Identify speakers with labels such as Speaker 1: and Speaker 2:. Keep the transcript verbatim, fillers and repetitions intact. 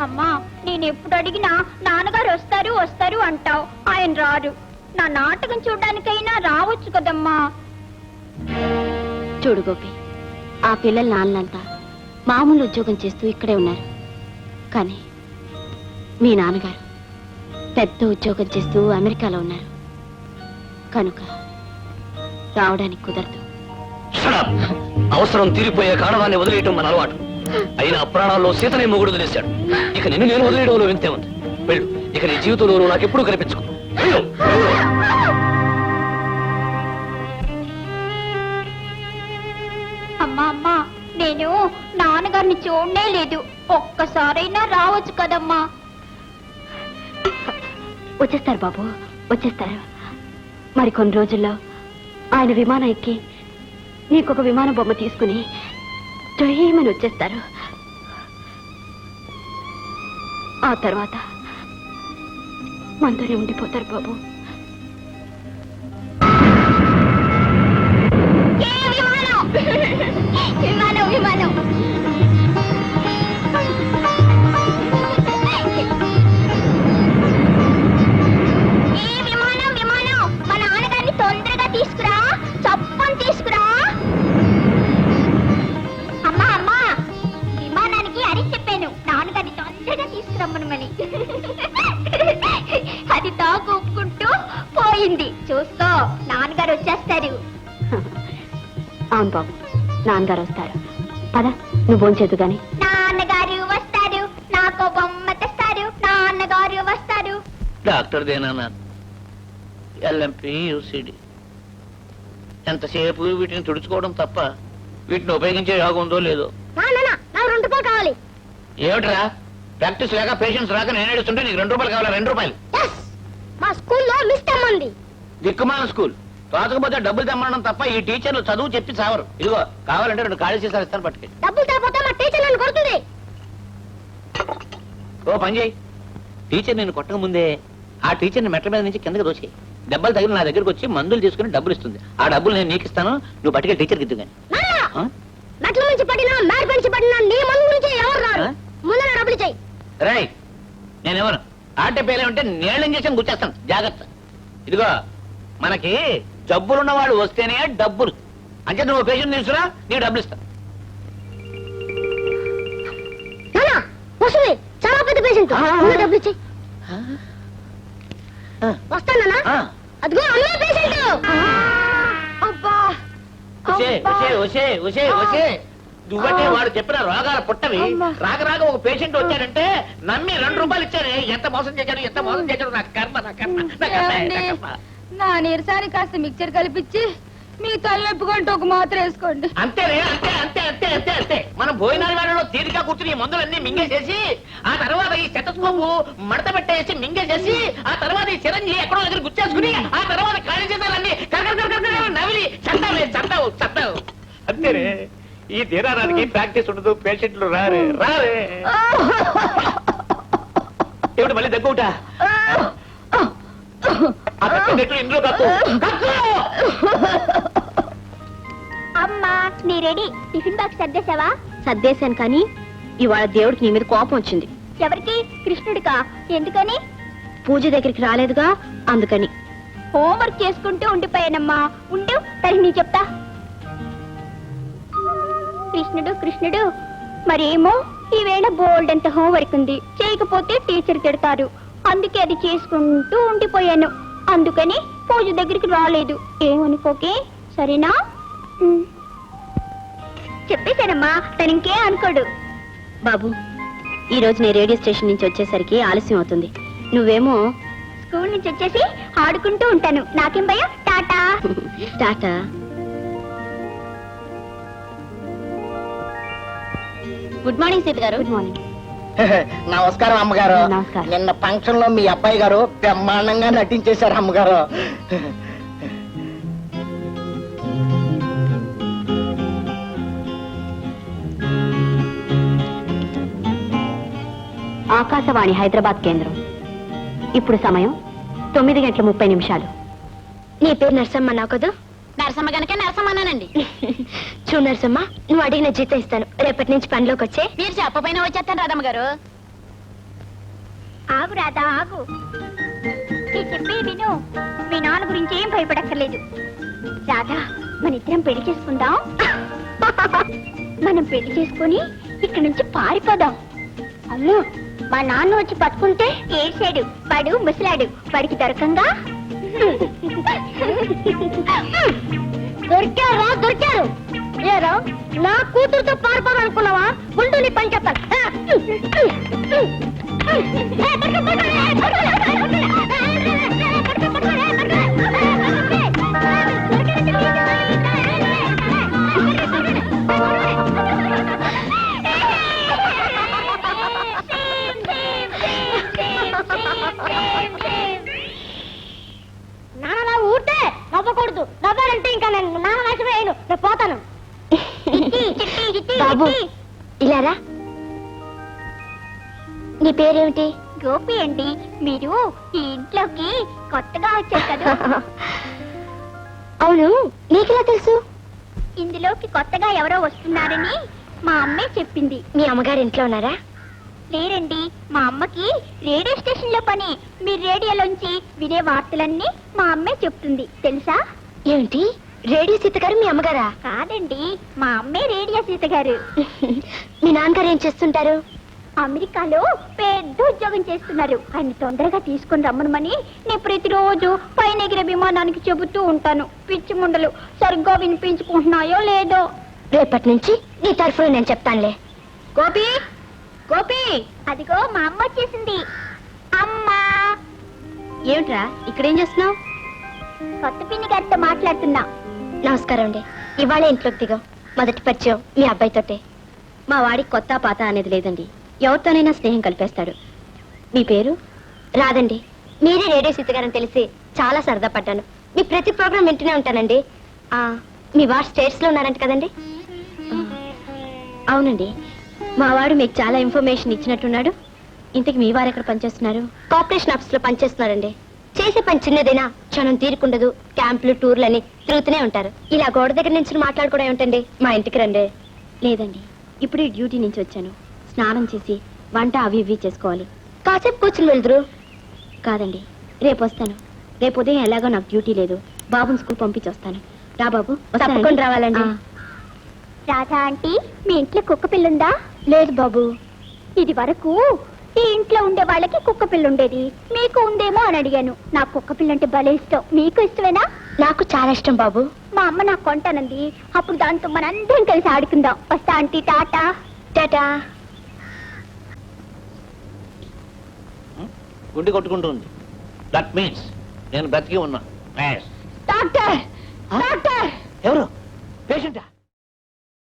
Speaker 1: అమ్మా నేను ఎప్పుడు అడిగినా నాన్నగారు వస్తారు వస్తారు అంటావు, ఆయన రారు. నా నాటకం చూడడానికైనా రావచ్చు కదమ్మా.
Speaker 2: చూడు గోపి, ఆ పిల్లల నాన్నలంతా మామూలు ఉద్యోగం చేస్తూ ఇక్కడే ఉన్నారు. కానీ మీ నాన్నగారు పెద్ద ఉద్యోగం చేస్తూ అమెరికాలో ఉన్నారు కనుక రావడానికి కుదరదు.
Speaker 3: అవసరం తీరిపోయే కారణాన్ని వదిలేయటం మన అలవాటు. అయినా ప్రాణాల్లో సీతనే మొగుడు వదిలేశాడు. ఇక నిన్ను నేను వదిలేయడంలో వింతే ఉంది. వెళ్ళు, ఇక నీ జీవితంలో నాకు ఎప్పుడూ కనిపించుకో.
Speaker 1: అమ్మా అమ్మా నేను నాన్నగారిని చూడనే లేదు, ఒక్కసారైనా రావచ్చు కదమ్మా.
Speaker 2: వచ్చేస్తారు బాబు, వచ్చేస్తారు. మరి కొన్ని రోజుల్లో ఆయన విమానం ఎక్కి నీకొక విమాన బొమ్మ తీసుకుని జయమని వచ్చేస్తారు. ఆ తర్వాత మనతోనే ఉండిపోతారు బాబు.
Speaker 1: విమానం విమానం ఏ విమానం విమానం మా నాన్నగారిని తొందరగా తీసుకురా, చప్పని తీసుకురా. అమ్మా అమ్మా విమానానికి అని చెప్పాను నాన్నగారిని తొందరగా తీసుకురమ్మనమని. అది తాగు ఒప్పుకుంటూ పోయింది. చూసుకో నాన్నగారు వచ్చేస్తారు.
Speaker 2: అవును బాబు, నాన్నగారు వస్తారు. పద, నువ్వు భోంచేదు గాని.
Speaker 1: నాన్నగారు వస్తారు, నాకు బొమ్మ తెస్తారు. నాన్నగారు వస్తారు.
Speaker 3: డాక్టర్ దేనా ఎల్ఎంపి యూసిడి ఎంతసేపు వీటిని తుడుచుకోవడం తప్ప వీటిని ఉపయోగించే యోగం ఉందో లేదో.
Speaker 1: నాకు రెండు రూపాయలు కావాలి.
Speaker 3: ఏమిట్రా ప్రాక్టీస్ లేక పేషెంట్స్ రాక నేను ఏడుస్తుంటే నీకు రెండు రూపాయలు కావాలా? రెండు రూపాయలు
Speaker 1: మా స్కూల్లో మిస్ తెమ్మంది.
Speaker 3: దిక్కుమాల స్కూల్ రాకపోతే డబ్బులు తెమ్మడం తప్ప ఈ టీచర్లు చదువు చెప్పి చావరు. ఇదిగో కావాలంటే రెండు ఖాళీ సీసాలు ఇస్తాను, పట్టుకెళ్ళి.
Speaker 1: డబ్బులు తేపోతే మా టీచర్ నన్ను కొడుతుంది.
Speaker 3: ఓ పని చేయి, టీచర్ నేను కొట్టక ముందే ఆ టీచర్ని మెట్ల మీద నుంచి కిందకి దోచేయి. దెబ్బలు తగిలి నా దగ్గరకు వచ్చి మందులు తీసుకుని డబ్బులు ఇస్తుంది. ఆ డబ్బులు నేను నీకు ఇస్తాను, నువ్వు పట్టుకెళ్ళి టీచర్కి ఇద్దు కానీ.
Speaker 1: మెట్ల నుంచి పడినా మేడ నుంచి పడినా నీ మందు నుంచి ఎవరు రారు. ముందు డబ్బులు చెయ్యి.
Speaker 3: రై నేనెవరు ఆటే పేరే ఉంటే నేళ్ళ ఇంజక్షన్ గుర్చేస్తాను, జాగ్రత్త. ఇదిగో మనకి జబ్బులున్న వాడు వస్తేనే డబ్బులు. అంటే నువ్వు పేషెంట్ తీసుకురా, నీకు డబ్బులు ఇస్తా.
Speaker 1: చాలా పెద్ద పేషెంట్, డబ్బులు ఇచ్చి వస్తానా. అదిగో అమ్మే పేషెంట్. అబ్బా
Speaker 3: నువ్వంటే వాడు చెప్పిన రోగాల పుట్టవి. రాక రాక ఒక పేషెంట్ వచ్చాడంటే నమ్మి రెండు రూపాయలు ఇచ్చానే. ఎంత మోసం చేశాడు, ఎంత మోసం చేశాడు. నాకు కర్మ, నా కర్మ, నా కర్మ.
Speaker 1: నా నీరసానికి కాస్త మిక్చర్ కలిపించి మీ తలనొప్పుకుంటూ ఒక మాత్ర వేసుకోండి.
Speaker 3: అంతేనే, అంతే అంతే అంతే అంతే అంతే మనం భోజనాల వేళలో తీరిక కూర్చుని ఈ మందులన్నీ మింగేసేసి ఆ తర్వాత ఈ స్టెతస్కోపు మడత పెట్టేసి మింగేసేసి ఆ తర్వాత ఈ చిరంజి ఎక్కడో దగ్గర గుచ్చేసుకుని ఆ తర్వాత ఖాళీ చేసాలన్నీ నవిలి చందావే చందావు చందావు. అంతేనే, ఈ తీరానికి ప్రాక్టీస్ ఉండదు, పేషెంట్లు రారే రారే. ఏమిటి మళ్ళీ దగ్గుట? ఇంట్లో కక్కు కక్కు.
Speaker 1: అమ్మా నీ రెడీ. టిఫిన్ బాక్స్ సర్దేశావా?
Speaker 2: సర్దేశాను, కానీ ఇవాళ దేవుడికి నీ మీద కోపం వచ్చింది.
Speaker 1: ఎవరికి? కృష్ణుడికా? ఎందుకని?
Speaker 2: పూజ దగ్గరికి రాలేదుగా, అందుకని.
Speaker 1: హోంవర్క్ చేసుకుంటూ ఉండిపోయానమ్మా. ఉండు తరి నీ చెప్తా. కృష్ణుడు కృష్ణుడు మరేమో ఈవేళ బోల్డ్ అంత హోంవర్క్ ఉంది, చేయకపోతే టీచర్ తిడతారు. అందుకే అది చేసుకుంటూ ఉండిపోయాను. అందుకని పూజ దగ్గరికి రాలేదు. ఏమనుకోకే, సరేనా? చెప్పేశానమ్మా, తను ఇంకే అనుకోడు.
Speaker 2: బాబు, ఈ రోజు నేను రేడియో స్టేషన్ నుంచి వచ్చేసరికి ఆలస్యం అవుతుంది. నువ్వేమో
Speaker 1: స్కూల్ నుంచి వచ్చేసి ఆడుకుంటూ ఉంటాను. నాకేం భయం. Tata.
Speaker 2: Tata. Good morning Sita garu. Good morning.
Speaker 4: నమస్కారం అమ్మగారు.
Speaker 2: నమస్కారం.
Speaker 4: నిన్న ఫంక్షన్ లో మీ అబ్బాయి గారు బ్రహ్మాండంగా నటించేశారు అమ్మగారు.
Speaker 2: ఆకాశవాణి హైదరాబాద్ కేంద్రం. ఇప్పుడు సమయం తొమ్మిది గంటల ముప్పై నిమిషాలు.
Speaker 1: నీ పేరు నరసమ్మ నా కదా?
Speaker 2: నరసమ్మ గనక నరసమ్మనండి.
Speaker 1: చూడు నరసమ్మ, నువ్వు అడిగిన జీతం ఇస్తాను. రేపటి నుంచి పనిలోకి వచ్చే.
Speaker 2: మీరు చెప్పపోయినా వచ్చేస్తాను రాధమ్మ గారు.
Speaker 1: ఆగు రాధా ఆగు నేను చెప్పేది విను మీ నాన్న గురించి ఏం భయపడక్కర్లేదు రాధా మన ఇద్దరం పెళ్లి చేసుకుందాం మనం పెళ్లి చేసుకుని ఇక్కడి నుంచి పారిపోదాం అమ్మో మా నాన్న వచ్చి పట్టుకుంటే ఏడ్చాడు వాడు ముసలాడు వాడికి దొరకంగా దొరికారా దొరికారు ఏరా నా కూతురుతో పారిపోవాలనుకున్నావా ఉండు నీ పని చెప్తాను నాన్న ఊటే నవ్వకూడదు నవ్వాలంటే ఇంకా నేను నాన్న నాశనమయ్యాను నేను పోతాను
Speaker 2: బాబు ఇలారా నీ పేరేమిటి
Speaker 1: గోపి అండి మీరు ఈ ఇంట్లోకి కొత్తగా వచ్చారు కదా
Speaker 2: అవును నీకెలా తెలుసు
Speaker 1: ఇందులోకి కొత్తగా ఎవరో వస్తున్నారని మా అమ్మే చెప్పింది
Speaker 2: మీ అమ్మగారు ఇంట్లో ఉన్నారా
Speaker 1: లేరండి మా అమ్మకి రేడియో స్టేషన్ లో పని మీరు రేడియోలోంచి వినే వార్తలన్నీ మా అమ్మే చెప్తుంది తెలుసా
Speaker 2: ఏమిటి రేడియో సీత గారు మీ అమ్మగారా
Speaker 1: కాదండి మా అమ్మే రేడియో సీత గారు
Speaker 2: మీ నాన్నగారు ఏం చేస్తుంటారు
Speaker 1: అమెరికాలో పెద్ద ఉద్యోగం చేస్తున్నారు ఆయన తొందరగా తీసుకొని రమ్మనమని నేను ప్రతిరోజు పైన ఎగిరే విమానానికి చెబుతూ ఉంటాను పిచ్చి ముండలు సరిగ్గా వినిపించుకుంటున్నాయో లేదో
Speaker 2: రేపటి నుంచి నీ తరఫున నేను చెప్తానులే
Speaker 1: గోపి గోపి అదిగో మా అమ్మ వచ్చేసింది అమ్మా
Speaker 2: ఏమిట్రా ఇక్కడేం చేస్తున్నావు
Speaker 1: కొత్త పిన్ని గారితో మాట్లాడుతున్నా
Speaker 2: నమస్కారం అండి ఇవాళ ఇంట్లోకి దిగా మొదటి పరిచయం మీ అబ్బాయితోటే మా వాడికి కొత్త పాత అనేది లేదండి ఎవరితోనైనా స్నేహం కలిపేస్తాడు మీ పేరు రాదండి మీరే రేడియో సీతగారని తెలిసి చాలా సరదా పడ్డాను మీ ప్రతి ప్రోగ్రాం వింటూనే ఉంటానండి ఆ, మీ వాడు స్టేట్స్ లో ఉన్నారంట కదండి ఆ, అవునండి మా వాడు మీకు చాలా ఇన్ఫర్మేషన్ ఇచ్చినట్టున్నాడు ఇంతకు మీ వారు ఎక్కడ పనిచేస్తున్నారు కార్పొరేషన్ ఆఫీస్ లో పనిచేస్తున్నారండి చేసే పని చిన్నదైనా క్షణం తీరుకుండదు క్యాంపులు టూర్లు అని తిరుగుతూనే ఉంటారు ఇలా గోడ దగ్గర నుంచి మాట్లాడుకోవడం ఏమిటండి మా ఇంటికి రండి లేదండి ఇప్పుడు ఈ డ్యూటీ నుంచి వచ్చాను స్నానం చేసి వంట అవి ఇవి చేసుకోవాలి కాసేపు కూర్చుని వెళ్దురు కాదండి రేపు వస్తాను రేపు ఉదయం ఎలాగో నాకు డ్యూటీ లేదు బాబుని స్కూల్ పంపించి వస్తాను రా బాబు తప్పకుండా రావాలండి
Speaker 1: రాధా ఆంటీ మీ ఇంట్లో కుక్క పిల్లుందా
Speaker 2: లేదు బాబు
Speaker 1: ఇది వరకు ఈ ఇంట్లో ఉండే వాళ్ళకి కుక్క పిల్ల ఉండేది మీకు ఉందేమో అని అడిగాను నాకు కుక్క పిల్ల అంటే భలే ఇష్టం మీకు ఇష్టమేనా
Speaker 2: నాకు చాలా ఇష్టం బాబు
Speaker 1: మా అమ్మ నాకు కొంటానంది అప్పుడు దాంతో మనందరం కలిసి ఆడుకుందాం వస్తా ఆంటీ టాటా
Speaker 2: టాటా
Speaker 3: గుండె కొట్టుకుంటుంది దట్ మీన్స్ నేను బ్రతికి ఉన్నా Yes.
Speaker 1: డాక్టర్ డాక్టర్
Speaker 3: ఎవరు